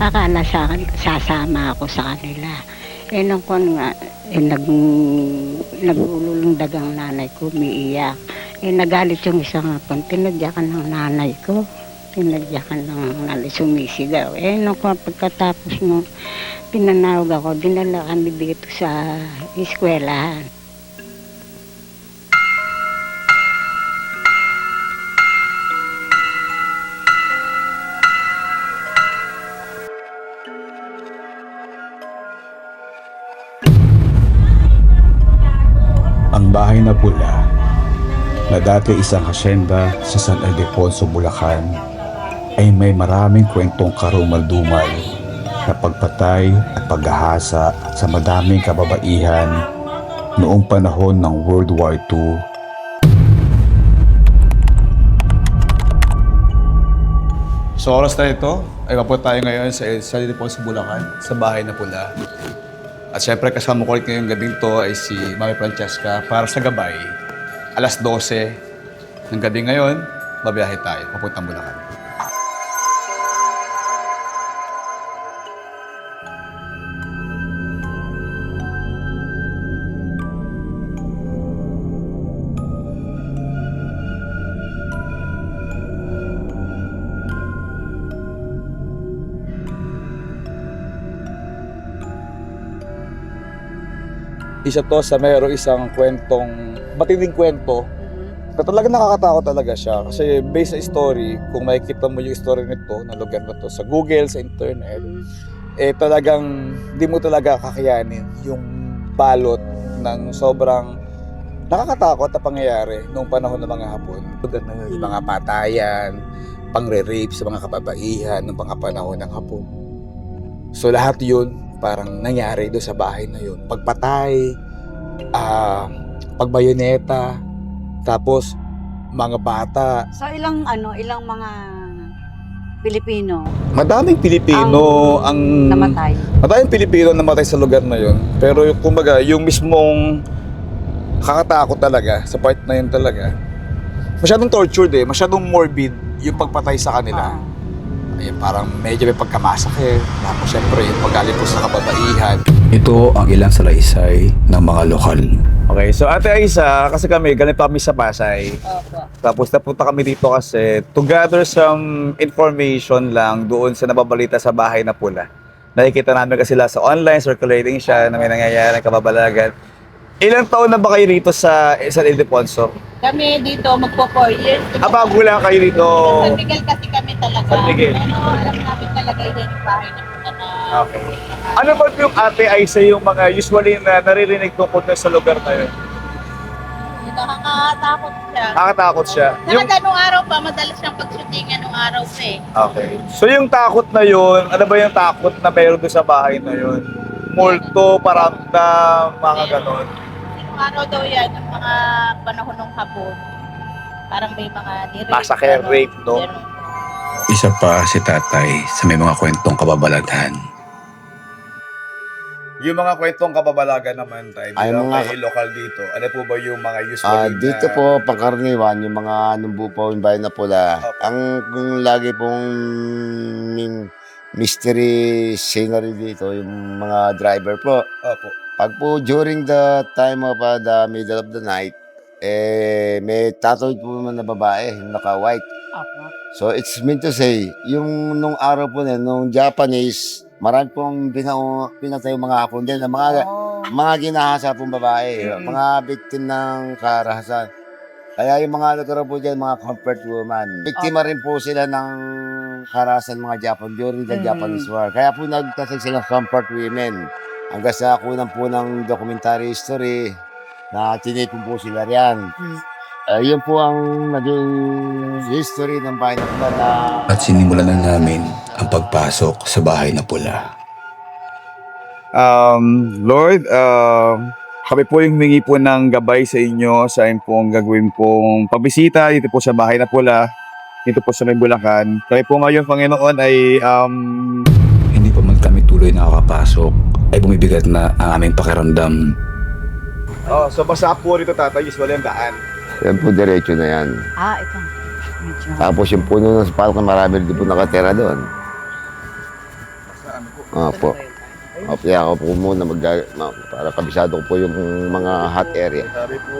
Akala sasama ako sa kanila. Eh nung kon nga, nagululong dagang nanay ko, umiiyak. Eh nagalit yung isang hapon, tinadyakan ng nanay ko. Tinadyakan ng nanay, sumisigaw. Eh nung pagkatapos nung pinanawag ako, dinala kami dito sa eskwelahan. Ang bahay na pula na dati isang hasyenda sa San Ildefonso, Bulacan ay may maraming kwentong karumal-dumal na pagpatay at paghahasa sa madaming kababaihan noong panahon ng World War II. So oras na ito, ay mapunta tayo ngayon sa San Ildefonso, Bulacan, sa bahay na pula. At syempre kasama ko ulit ngayong gabing to ay si Mami Francesca para sa gabay. Alas 12 ng gabi ngayon, babiyahe tayo, papuntang Bulacan. Isa to sa mayroong isang kwentong, matinding kwento, na talagang nakakatakot talaga siya. Kasi based sa story, kung makikita mo yung story nito, na lugar na to sa Google, sa internet, eh talagang di mo talaga kakayanin yung balot ng sobrang nakakatakot na pangyayari noong panahon ng mga Hapon. Lugar na yun, mga patayan, pangre-rape sa mga kababaihan ng mga panahon ng Hapon. So lahat yun, parang nangyari doon sa bahay na yun. Pagpatay, pagbayoneta, tapos mga bata. So ilang mga Pilipino Madaming Pilipino ang namatay. Madaming Pilipino namatay sa lugar na yun. Pero yung kumbaga, yung mismong kakatakot talaga sa part na yun talaga. Masyadong tortured masyadong morbid yung pagpatay sa kanila. Ayun, parang medyo may pagkamasakit. Tapos syempre yung pag-alipos sa kababaihan. Ito ang ilang salaysay ng mga lokal. Okay, so Ate Aisa, kasi kami, ganito kami sa Pasay. Opo. Tapos napunta kami dito kasi to gather some information lang doon sa nababalita sa bahay na pula. Nakikita namin kasi sila sa online, circulating siya na may nangyayari ng kababalagan. Ilang taon na ba kayo rito sa San Ildefonso? Kami dito magpo 4 years. Bago lang kayo rito. San Miguel kasi kami talaga. San Miguel. Alam namin talaga yun yung bahay na muna na. Okay. Ano ba yung Ate Aisa yung mga usually na naririnig tungkol sa lugar na yun? Nakakatakot siya. Nakakatakot siya. Talaga nung araw pa, madalas siyang pag-shootingan nung araw pa Okay. So yung takot na yun, ano ba yung takot na meron doon sa bahay na yun? Multo, paramdam, mga ganon. Nung araw daw yan, yung mga panahon ng Hapon. Parang may mga nirape. Massacre, rape, no? Isa pa si tatay sa may mga kwentong kababalaghan. Yung mga kwentong kababalagan naman tayo, Ay, bilang mga- kayo lokal dito, ano po ba yung mga usually Dito na... po, pangkaraniwan, yung mga numbupaw, yung bayan na pula. Opo. Ang kung lagi pong mystery scenery dito, yung mga driver po. Opo. Pag po during the time of the middle of the night, may tattooed po naman na babae, yung naka-white. Opo. So it's meant to say, yung nung araw po na, nung Japanese, marami pong pinatay yung mga Hapon din, na mga ginahasa pong babae, mga victim ng karahasan. Kaya yung mga lugar po dyan, mga comfort woman. Biktima rin po sila ng karahasan mga Japan during the Japanese War. Kaya po nagtatag silang comfort women. Hanggang sa kunan po ng documentary history na tinipon po sila riyan. Yun po ang naging history ng bahay na pula na... At sinimulan na namin ang pagpasok sa bahay na pula. Lord, kami po yung humingi po ng gabay sa inyo sa pong gagawin pong pagbisita dito po sa bahay na pula, dito po sa may Bulacan. Kami po ngayon, Panginoon, ay Hindi pa man kami tuloy nakakapasok, ay bumibigat na ang aming pakiramdam. so basta po rito tatay, usually ang daan. Yan po, diretso na yan. Ito. Medyo. Tapos yung puno ng palkan, marami rin po nakatira doon. Opo. Kaya ako po muna para kabisado ko po yung mga hot area. Sabi po,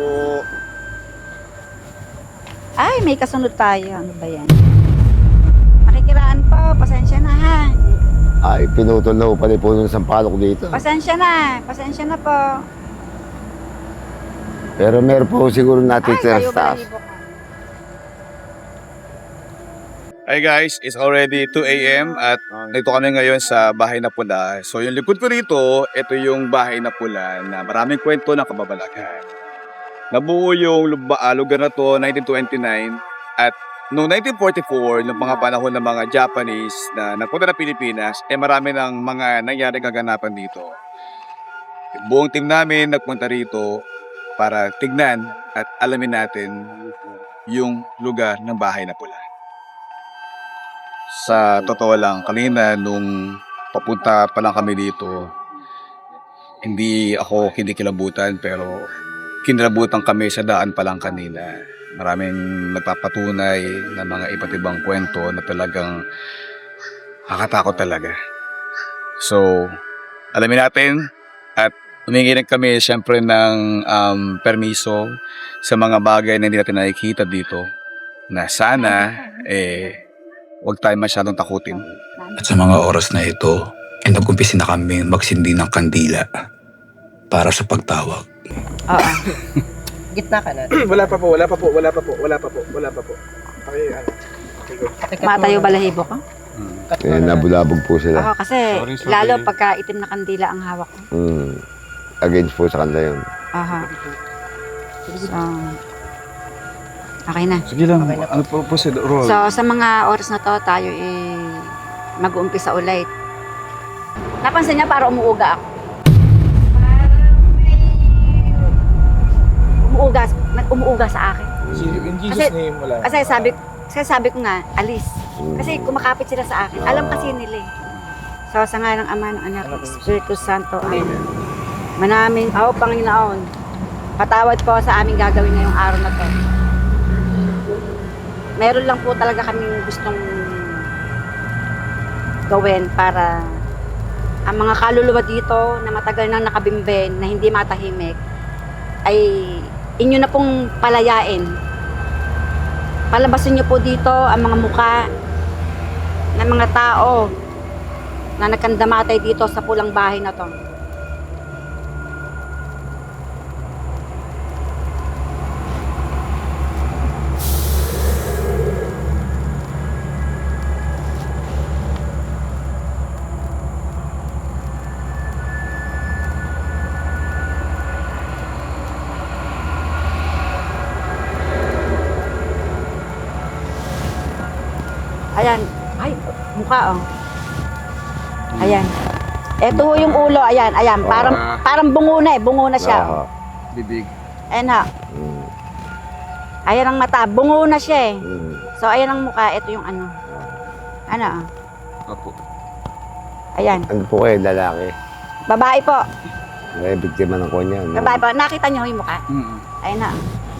Ay, may kasunod tayo. Ano ba yan? Makikiraan po. Pasensya na ha. Ay, pinutol na po pala po ng sampalok dito. Pasensya na. Pasensya na po. Pero meron po siguro natitira Ay, kayo sa taas. balahibo ko. hi guys, it's already 2 a.m. at nandito kami ngayon sa Bahay na Pula. So yung likod ko rito, ito yung Bahay na Pula na maraming kwento ng kababalagan. Nabuo yung lugar na to 1929 at noong 1944, noong mga panahon ng mga Japanese na nagpunta na Pilipinas, marami ng mga nangyari kaganapan dito. Yung buong team namin nagpunta rito para tignan at alamin natin yung lugar ng Bahay na Pula. Sa totoo lang, kanina nung papunta pa lang kami dito, hindi ako kinikilabutan pero kinilabutan kami sa daan pa lang kanina. Maraming nagpapatunay ng mga iba't ibang kwento na talagang nakakatakot talaga. So, alamin natin at humingi rin kami siyempre ng permiso sa mga bagay na hindi natin nakikita dito na sana huwag tayo masyadong takutin. At sa mga oras na ito, nag-umpisa na kami magsindi ng kandila para sa pagtawag. Oo. Gitna ka na. Wala pa po. Okay, ano. Matayo balahibo ko. Nabulabog po sila. Oo, kasi Sorry. lalo pagka itim na kandila ang hawak ko. Against po sa kanila yun. Aha. So, okay na. Sige lang, Okay na po. ano po roll? So, sa mga oras na to, tayo mag-uumpisa ulit. Napansin niya para umuuga ako. Umuuga sa akin. In Jesus' name, wala. Kasi sabi ko nga, alis. Kasi kumakapit sila sa akin. Alam kasi nila eh. So, sa nga ng Ama, ng Anak, ng Espiritu Santo. Amen. Manamin, Panginoon, patawad po sa aming gagawin ngayong araw na to. Meron lang po talaga kaming gustong gawin para ang mga kaluluwa dito na matagal nang nakabimben, na hindi matahimik, ay inyo na pong palayain. Palabasin niyo po dito ang mga muka ng mga tao na nagkandamatay dito sa pulang bahay na to. Ayan. Ay, mukha oh. Ayan. Ito ho yung ulo, ayan, ayan. Parang bungo na siya. Oo. Bibig. Ayan ha. Mm. Ayan ang mata, bungo na siya eh. Mm. So ayan ang mukha, ito yung ano. Ano ah. Opo. Ayan. Ano po kayo, lalaki? Babae po. May biktima ng konya. No? Babae po. Nakita niyo yung mukha? Ayan na.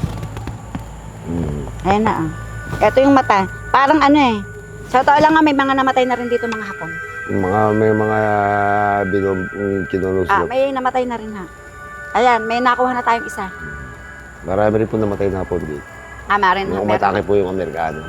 Ayan na. Ito yung mata. Parang ano eh. Sa totoo lang nga, may mga namatay na rin dito mga Hapon. May mga kinuluslo. May namatay na rin ha. Ayan, may nakuha na tayong isa. Marami rin po namatay na po dito. Marin na. Nung umatake po yung Amerikano.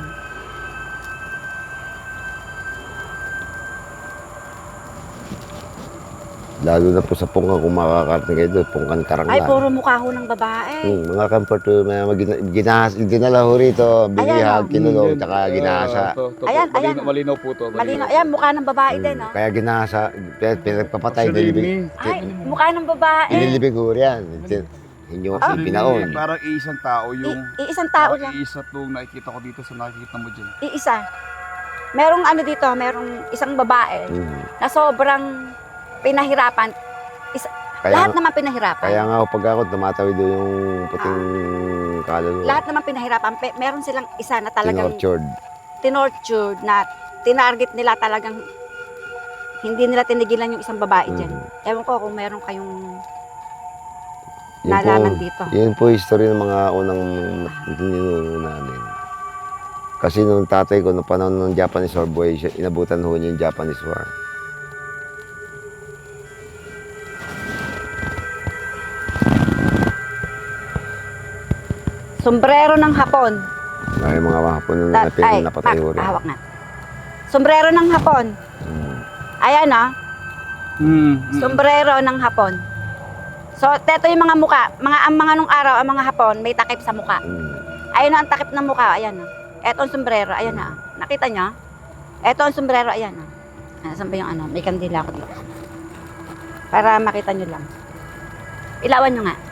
Lalo na po sa Pungkan, kung makakarating kayo doon, Pungkan Karanglan. Ay, puro mukha ho ng babae. Mga comfort, dinala ho rito, binihag, kinulong, tsaka ginasa. Ayan, ayan. Malinaw po to. Malino. Ayan, mukha ng babae din, no? Kaya ginasa, pinagpapatay, nilibig. Ay, mukha ng babae. Inilibig ho yan. Inyo pinaon. Parang isang tao yung... Iisang tao lang. Iisa itong nakikita ko dito sa nakikita mo dyan. Iisa. Merong ano dito, merong isang babae na sobrang pinahirapan. Lahat naman pinahirapan. Kaya nga pag ako tumatawid doon yung puting kaluluwa. Lahat naman pinahirapan. Meron silang isa na talagang tinortured na tinarget nila talagang hindi nila tinigilan yung isang babae dyan. Ewan ko kung meron kayong nalaman dito. Yun po history ng mga unang tinuno namin. Kasi nung tatay ko, noong panahon ng Japanese War boy, inabutan ho niya yung Japanese War. sombrero ng Hapon. May mga hapon na napatay ko rin. hawak na. Sombrero ng Hapon. Ayan sombrero ng Hapon. So, teto yung mga muka. Ang mga nung araw, ang mga Hapon, may takip sa muka. Ayun ang takip ng muka, ayan Eto ang sombrero, ayan Nakita nyo? Eto ang sombrero, ayan Saan ba yung may kandila ako dito. Para makita nyo lang. Ilawan nyo nga.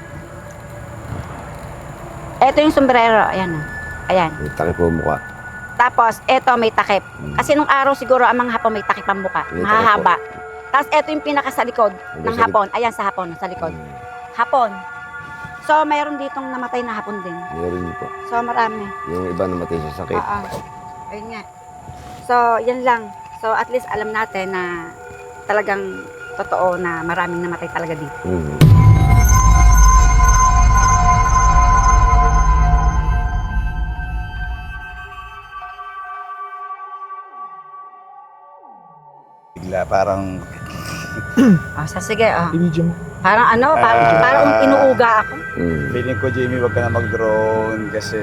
Eto yung sombrero, ayan Ayan. May takip po mukha. Tapos, eto may takip. Kasi nung araw siguro, ang mga Hapon may takip ang muka. May takip Mahahaba. Tapos, eto yung pinaka sa likod ng sa Hapon. Ayan sa Hapon, sa likod. Hapon. So, mayroon ditong namatay na Hapon din. Meron po. So, marami. Yung iba namatay sa sakit. Oo. Ayun nga. So, yan lang. So, at least alam natin na talagang totoo na maraming namatay talaga dito. Bigla parang Sige. Parang parang inuuga ako. feeling ko, Jamie, wag ka na mag-drone kasi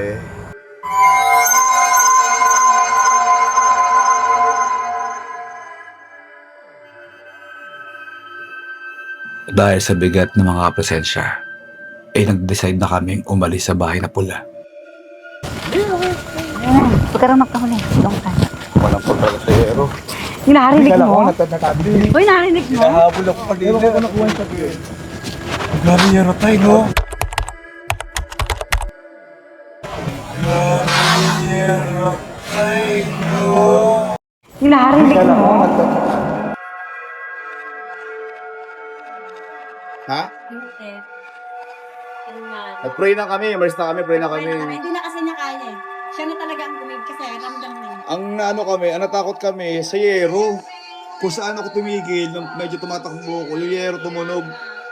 dahil sa bigat ng mga presensya, ay nag-decide na kaming umalis sa bahay na pula. Huwag ka rin magkahuli. Doon ka. Walang pagkakasayero. Yung narinig mo? Natatabili. Uy, narinig mo? Nahabol ako kanina. Ewan ko nakuha yung sabi. Grabe yaro tayo, no? Yung narinig mo? Ha? Nag-pray na kami, immerse na kami, pray na kami. Hindi na kasi niya kaya Siya na talaga ang gumig kasi ramdam niya. Ang natakot kami sa yero. Kung saan ako tumigil, nung medyo tumatakbo ko, yung yero tumunog.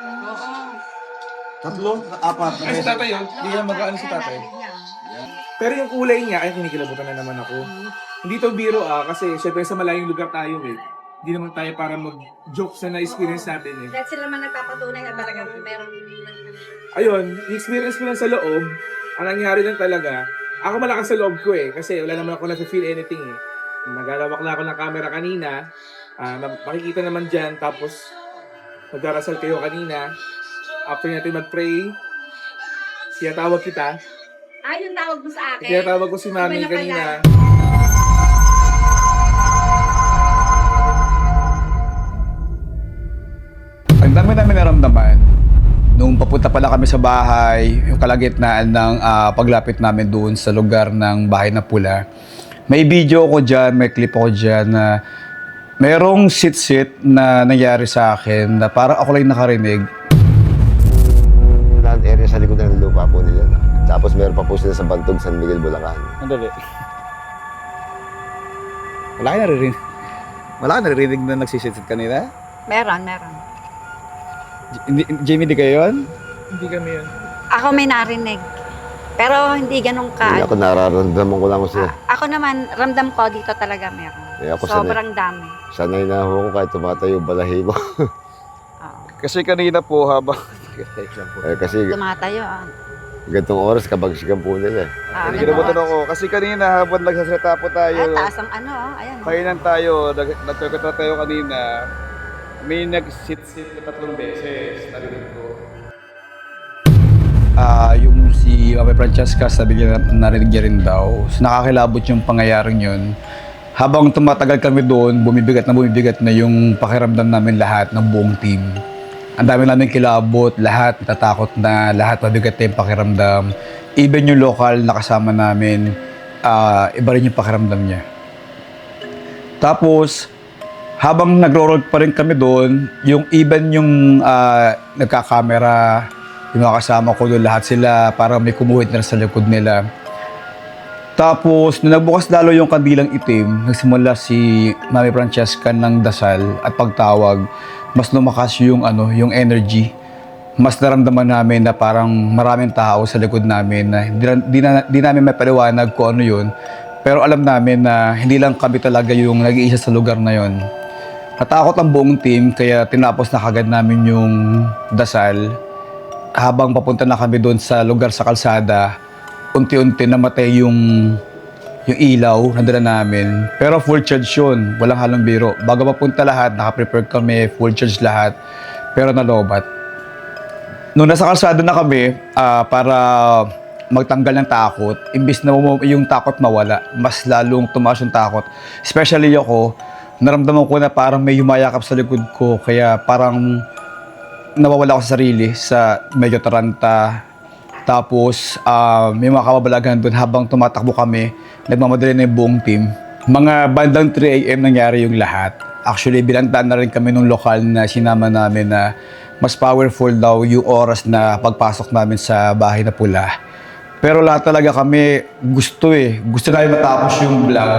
Tatlo? Apat. Ay, si tatay yun. Hindi na mag-ano si tatay. Pero yung kulay niya, ay kinikilabutan na naman ako. Hindi to biro kasi syempre sa malayong lugar tayo Hindi naman tayo para mag-joke sa na-experience natin Dahil sila man nagpapatunay na talagang meron. Ayun, experience ko lang sa loob, ang nangyari lang talaga, ako malakas sa loob ko kasi wala naman ako na-feel anything Naglalawak na ako ng camera kanina, makikita naman dyan, tapos magdarasal kayo kanina. After natin mag-pray, tawag kita. Yung tawag mo sa akin? Tawag ko si Mami kanina. Ang dami namin naramdaman nung papunta pala kami sa bahay, yung kalagitnaan ng paglapit namin doon sa lugar ng bahay na pula. May video ko dyan, may clip ako dyan na merong sit-sit na nangyari sa akin na parang ako lang nakarinig. Land area sa likod ng lupa po nila. Tapos meron pa po sila sa Bantog, San Miguel, Bulacan. Andali. Wala ka naririnig. Wala ka naririnig na nagsisit kanina? Meron. Jamie, di kayo yun? Hindi kami yun. Ako may narinig. Pero hindi ganun ka. Ako nararamdaman ko lang ko sila. Ako naman, ramdam ko dito talaga meron. Ako Sobrang dami. sanay na ako kahit tumatayo balahibo. Oo. Kasi kanina po habang... Kasi Tumatayo. gantong oras kabagsikan po nila. Kinabutan ako. Kasi kanina habang nagsasalita po tayo, Taas ang ayan. kainan tayo, nagkakata tayo kanina, may nag-sit-sit na 3 beses, narinig ko. Yung si Mami Francesca, sabi niya narinig niya rin daw. So, nakakilabot yung pangyayaring yun. Habang tumatagal kami doon, bumibigat na yung pakiramdam namin lahat ng buong team. Ang dami namin kilabot, lahat natatakot na, lahat mabigat na yung pakiramdam. Even yung local na kasama namin, iba rin yung pakiramdam niya. Tapos, habang nagro-roll pa rin kami doon, yung nagka-camera, yung mga kasama ko doon, lahat sila parang may kumuhit na sa likod nila. Tapos, nung nagbukas lalo yung kandilang itim, nagsimula si Mami Francesca ng dasal at pagtawag, mas lumakas yung energy. Mas naramdaman namin na parang maraming tao sa likod namin na di namin mapaliwanag kung ano yun. Pero alam namin na hindi lang kami talaga yung nag-iisa sa lugar na yun. Natakot ang buong team kaya tinapos na kagad namin yung dasal. Habang papunta na kami doon sa lugar sa kalsada, unti-unti namatay yung ilaw na dala namin. Pero full charge yun, walang halong biro. Bago papunta lahat, nakaprepare kami, full charge lahat, pero nalobat. Nung nasa kalsada na kami, para magtanggal ng takot, imbis na yung takot mawala, mas lalong tumaas yung takot. Especially ako, naramdaman ko na parang may yumayakap sa likod ko, kaya parang nawawala ako sa sarili, sa medyo taranta. Tapos, may mga kababalaghan doon habang tumatakbo kami, nagmamadali na yung buong team. Mga bandang 3 a.m. nangyari yung lahat. Actually, binantaan na rin kami nung lokal na sinama namin na mas powerful daw yung oras na pagpasok namin sa bahay na pula. Pero lahat talaga kami gusto namin matapos yung vlog.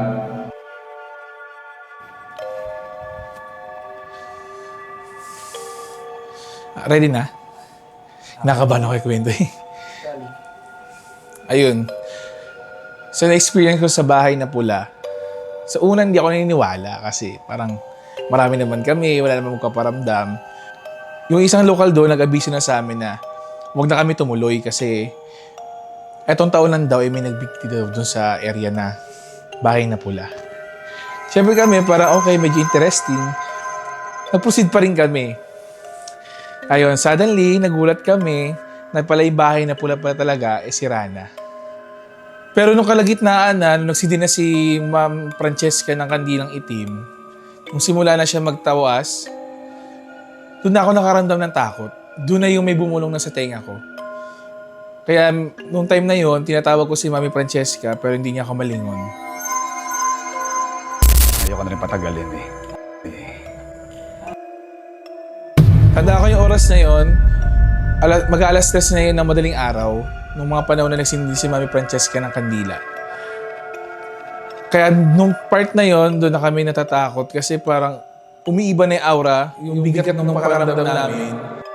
Ready na? Nakabahan ako ikwento eh. Ayun. So, na-experience ko sa bahay na pula. Sa una, hindi ako naniniwala kasi parang marami naman kami, wala naman magkaparamdam. Yung isang lokal doon, nag-abiso na sa amin na huwag na kami tumuloy kasi etong taon lang daw ay may nagbigti daw doon sa area na bahay na pula. Siyempre kami, para okay, medyo interesting, nag-proceed pa rin kami. Ayun, suddenly, nagulat kami na pala yung bahay na pula pala talaga si Rana. Pero nung kalagitnaan na, nung nagsidin na si Ma'am Francesca ng kandilang itim, nung simula na siya magtawas, doon na ako nakaramdam ng takot. Doon na yung may bumulong na sa tenga ko. Kaya nung time na yon, tinatawag ko si Mami Francesca pero hindi niya ako malingon. Ayoko na rin patagalin eh. Tanda ko yung oras na yon, mag-aalas 3 na yun ng madaling araw, nung mga panahon na nagsindi si Mami Francesca ng kandila. Kaya nung part na yon, doon na kami natatakot kasi parang umiiba na yung aura, yung bigat ng pakaramdam namin.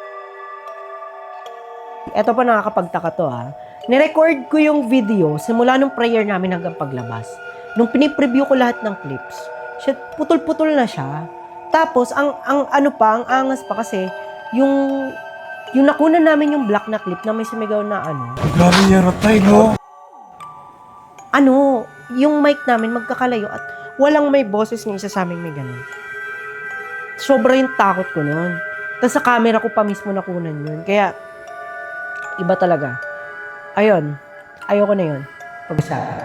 Ito pa nakakapagtaka to ha. Nirecord ko yung video simula nung prayer namin hanggang paglabas. Nung pinipreview ko lahat ng clips, putol-putol na siya. Tapos, ang angas pa kasi, yung nakunan namin yung black na clip na may sumigaw na Grabe yung ratay, no? Yung mic namin magkakalayo at walang may boses ng isa sa aming may ganun. Sobra yung takot ko noon. Tapos sa camera ko pa mismo nakunan yun. Kaya, iba talaga. Ayun, ayoko na yun. Pag-usapan.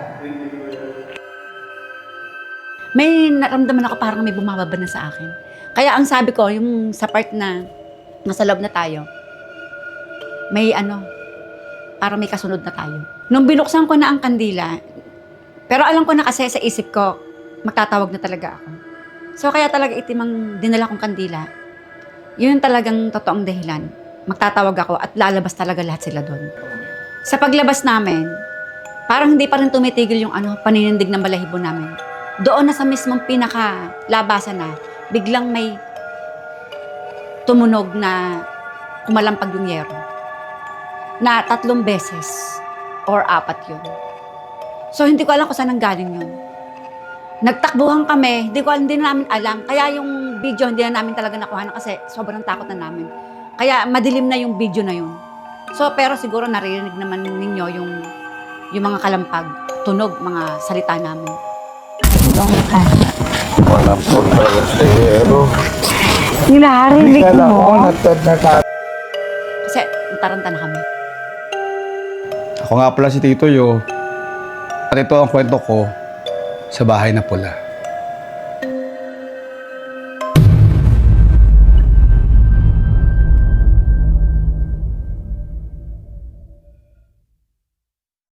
May naramdaman ako parang may bumababa na sa akin. Kaya ang sabi ko, yung sa part na nasa loob na tayo, may parang may kasunod na tayo. Nung binuksan ko na ang kandila, pero alam ko na kasi sa isip ko, magtatawag na talaga ako. So kaya talaga itim ang dinala kong kandila. Yun talagang totoong dahilan. Magtatawag ako at lalabas talaga lahat sila doon. Sa paglabas namin, parang hindi pa rin tumitigil yung paninindig ng balahibo namin. Doon na sa mismong pinaka-labasan na, biglang may tumunog na kumalampag yung yero. Na 3 beses or 4 yun. So hindi ko alam kung saan nanggaling yun. Nagtakbuhan kami, hindi na namin alam. Kaya yung video hindi na namin talaga nakuha kasi sobrang takot na namin. Kaya madilim na yung video na yun. So pero siguro naririnig naman ninyo yung mga kalampag, tunog, mga salita namin. Wala po talaga sa ero. Nilaharinig mo. Kasi nataranta na kami. Ako nga pala si Tito Yo. At ito ang kwento ko sa bahay na pula.